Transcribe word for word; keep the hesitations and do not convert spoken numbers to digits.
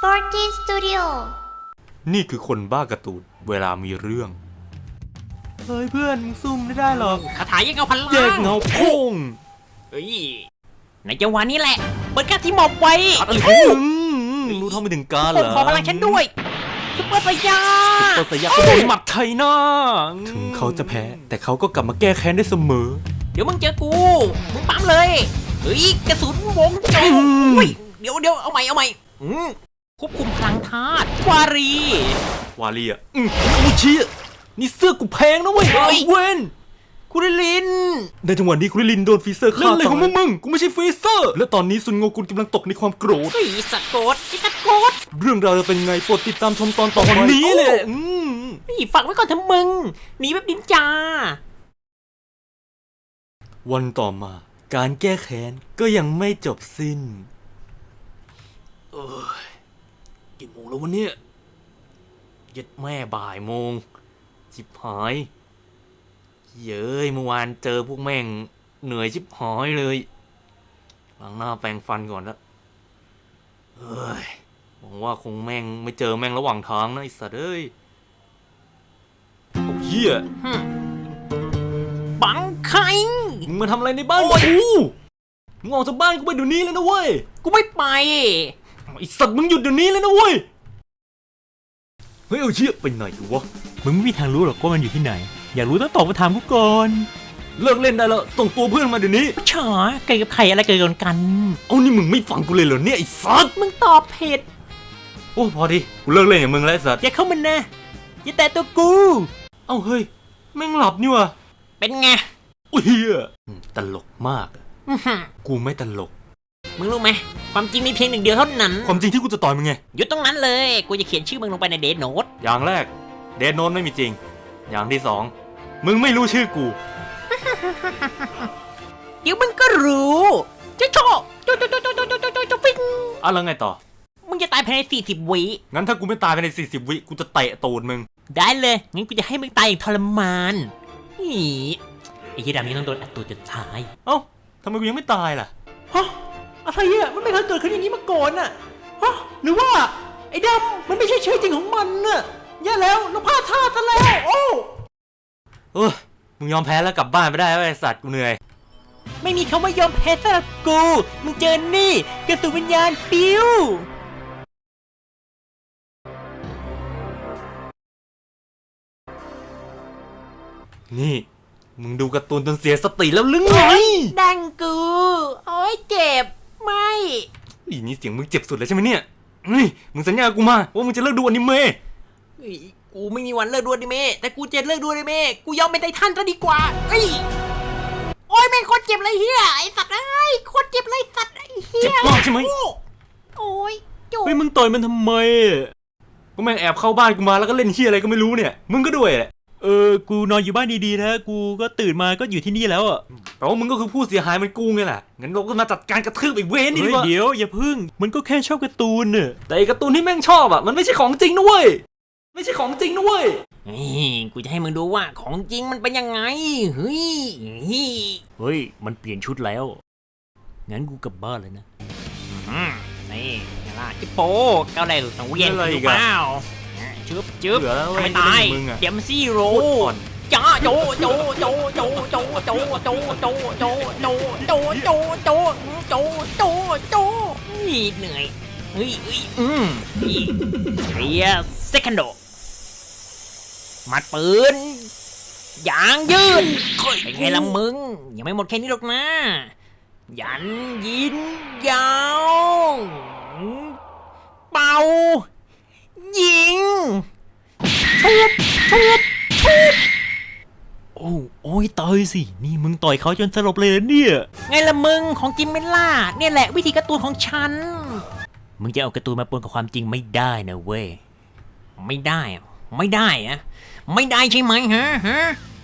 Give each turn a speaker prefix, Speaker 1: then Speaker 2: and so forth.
Speaker 1: Sporty Studio
Speaker 2: นี่คือคนบ้าการ์ตูนเวลามีเรื่องเฮ้ยเพื่อนมึงซุ่มไม่ได้หรอก
Speaker 3: คาถาแยกเงาพันล้าง
Speaker 2: แยกเงาพุ่ง
Speaker 3: เฮ้ยในจังหวะนี้แหละเปิดการที่หมอบไว้
Speaker 2: อะไรของมึงรู้เท่าไม่ถึงการเหร
Speaker 3: ผม
Speaker 2: อ
Speaker 3: ขอพลังฉันด้วยซุปเปอร์ไซยา
Speaker 2: ตัวสยามก็โดนหมัดไทยหน้าถึงเขาจะแพ้แต่เขาก็กลับมาแก้แค้นได้เสมอ
Speaker 3: เดี๋ยวมึงเจอกูมึงปั๊มเลยเฮ้ยกระสุนวงโจ
Speaker 2: อืม
Speaker 3: อุ้ยเดี๋ยวเดี๋ยวเอาใหม่เอาใหม่อืมควบคุมพลังธาตุวารี
Speaker 2: วาลีอ่ะอืมอูชี้อ่ะนี่เสื้อกูแพงนะเว้ย
Speaker 3: เฮ้ย
Speaker 2: เว้น
Speaker 3: คุริลิน
Speaker 2: ในจังหวะนี้คุริลินโดนฟรีเซอร์ฆ่าเล่นอะไรของมึงมึงกูไม่ใช่ฟรีเซอร์และตอนนี้ซุนโงกุลกำลังตกในความโกรธ
Speaker 3: เฮ้ยสัตว์โกดไอ้สัตว์โกด
Speaker 2: เรื่องราวจะเป็นไงโปรดติดตามชมตอนต่อไปนี้เลยอืม
Speaker 3: นี่ฝากไว้ก่อนเถอะมึงหนีแบบดินจา
Speaker 2: วันต่อมาการแก้แค้นก็ยังไม่จบสิ้นเอ้ยกี่โมงแล้ววันนี้เย็ดแม่บ่ายโมงชิบหายเย้ยเมื่อวานเจอพวกแม่งเหนื่อยชิบหายเลยล้างหน้าแปรงฟันก่อนละเฮ้ยหวังว่าคงแม่งไม่เจอแม่งระหว่างทางนะไอ้สัตว์เอ้ยโอ้เหี้ย
Speaker 3: บังไข่
Speaker 2: มึงมาทำอะไรในบ้านกูมึงออกจากบ้านกูไปเดี๋ยวนี้เลยนะเว้ย
Speaker 3: กูไม่ไป
Speaker 2: ไอสัตว์มึงหยุดเดี๋ยวนี้เลยนะเว้ย เฮ้ยเอาเชี่ยไปไหนวะ
Speaker 4: มึงไม่มีทางรู้หรอกว่ามันอยู่ที่ไหน อยากรู้ต้องตอบมาถามกูก่อน
Speaker 2: เลิกเล่นได้แล้วส่งตัวเพื่อนมาเดี๋ยวนี้
Speaker 3: ฉาไก่กับไข่อะไรเกิดกันกัน
Speaker 2: เอานี่มึงไม่ฟังกูเลยเหรอเนี่ยไอสัตว์
Speaker 3: มึงตอบผิด
Speaker 2: โอ้พอดิกูเลิกเล่นกับมึงแล้วไอสัตว์
Speaker 3: อย่าเข้ามานะอย่าแตะตัวกู
Speaker 2: เอ้าเฮ้ยแม่งหลับนี่วะ
Speaker 3: เป็นไง
Speaker 2: อุ้ยเฮียอืมตลกมากอะ
Speaker 3: อื้อหือ
Speaker 2: กูไม่ตลก
Speaker 3: มึงรู้ไหมความจริงมีเพียงหนึ่งเดียวเท่านั้น
Speaker 2: ความจริงที่กูจะต่อยมึงไง
Speaker 3: หยุดตรงนั้นเลย กูจะเขียนชื่อมึงลงไปในเดทโน้ต
Speaker 2: อย่างแรกเดนโนนไม่มีจริง อย่างที่สองมึงไม่รู้ชื่อกู
Speaker 3: เดี๋ยวมึงก็รู้จะโชว์โจโจโจโจโจโจโจโจฟิง
Speaker 2: อ่ะแล้วไงต่อ
Speaker 3: มึงจะตายภายในสี่สิบวิ
Speaker 2: งั้นถ้ากูไม่ตายภายในสี่สิบวิกูจะเตะตูดมึง
Speaker 3: ได้เลยงั้นกูจะให้มึงตายอย่างทรมานนี่ไอ้ยีดำนี้ต้องโดนอัดตัวจนตาย
Speaker 2: เอ้าทำไมกูยังไม่ตายล่ะ
Speaker 3: ฮะอะไรอ่ะมันไม่เคยเกิดขึ้นอย่างนี้มาก่อนอ่ะฮะหรือว่าไอ้ดำมันไม่ใช่ชื่อจริงของมันน่ะแย่แล้วเราพลาดท่าซะแล้วโอ้
Speaker 2: เออมึงยอมแพ้แล้วกลับบ้านไปได้แล้วไอ้สัตว์กูเหนื่อย
Speaker 3: ไม่มีคำว่ายอมแพ้สำหรับกูมึงเจอนี่กระสุนวิญญาณปิ้ว
Speaker 2: นี่มึงดูการ์ตูนจนเสียสติแล้วหรือไง
Speaker 3: ดังกูโอ้ยเจ็บไม่
Speaker 2: อีนี่เสียงมึงเจ็บสุดเลยใช่ไหมเนี่ยเฮ้ยมึงสัญญากูมาว่ามึงจะเลิกดูอนิเมะ
Speaker 3: เฮ้ยกูไม่มีวันเลิกดูอนิเมะแต่กูจะเลิกดูอนิเมะกูยอมเป็นไททันซะดีกว่าเอ้ยโอ้ยแม่งโคตรเจ็บเลยเฮียไอ้สัตว์ไอ้ยโคตรเจ็บเลยสัตว์ไอ้เฮีย
Speaker 2: เจ็บมากใช่ไหม
Speaker 3: โอ้ยจุก
Speaker 4: เฮ้ยมึงต่อยมันทำไม
Speaker 2: ก็แม่งแอบเข้าบ้านกูมาแล้วก็เล่นเฮียอะไรก็ไม่รู้เนี่ยมึงก็ด้วยแหละ
Speaker 4: เออ กูนอนอยู่บ้านดีๆนะ กูก็ตื่นมาก็อยู่ที่นี่แล้วอ่ะ
Speaker 2: แปลว่ามึงก็คือผู้เสียหายมันกูไงล่ะงั้นเราก็มาจัดการกระทืบไอ้เวรนี่
Speaker 4: เฮ้
Speaker 2: ดี
Speaker 4: ย
Speaker 2: กว่า
Speaker 4: เดี๋ยวอย่าพึ่ง มันก็แค่ชอบการ์ตูนน่ะ
Speaker 2: แต่ไอ้การ์ตูนที่แม่งชอบอ่ะมันไม่ใช่ของจริงนะเว้ยไม่ใช่ของจริงนะเว้ย
Speaker 3: นี่กูจะให้มึงดูว่าของจริงมันเป็นยังไงเฮ้ยเฮ้ย
Speaker 4: เฮ้ย มันเปลี่ยนชุดแล้ว งั้นกูกลับบ้านเลยนะ
Speaker 3: อืมนี่ไงล่ะจิโปเก้าแรกสู่สังเวียน
Speaker 2: อะไรอี
Speaker 3: ถู
Speaker 2: ก
Speaker 3: ก
Speaker 2: อะ
Speaker 3: เปล่าจึ๊บจึ๊บ
Speaker 2: เหลือแล้วเว้ย
Speaker 3: ทำไมตาย
Speaker 2: มึงอะ
Speaker 3: เดี๋ยวมันซี่โร่
Speaker 2: โคตรอ่อน
Speaker 3: จ้าโจโจโจโจโจโจโจโจโจโจโจโจโจโจโจโจนี่เหนื่อยเฮ้ยเฮ้ยอืมนี่เรียเซคันโดมัดปืนยางยืนเป็นไงล่ะมึงยังไม่หมดแค่นี้หรอกนะยันยินยาวเป่ายิงทุบทุบทุบ
Speaker 4: โอ้โอ้ยต่อยสิ นี่มึงต่อยเขาจนสลบเลยเหรอเนี่ย
Speaker 3: ไงล่ะมึงของจิมเมล่าเนี่ยแหละวิธีการ์ตูนของฉัน
Speaker 4: มึงจะเอาการ์ตูนมาปนกับความจริงไม่ได้นะเว้ย
Speaker 3: ไม่ได้อะไม่ได้อะไม่ได้ใช่ไหมฮะฮะ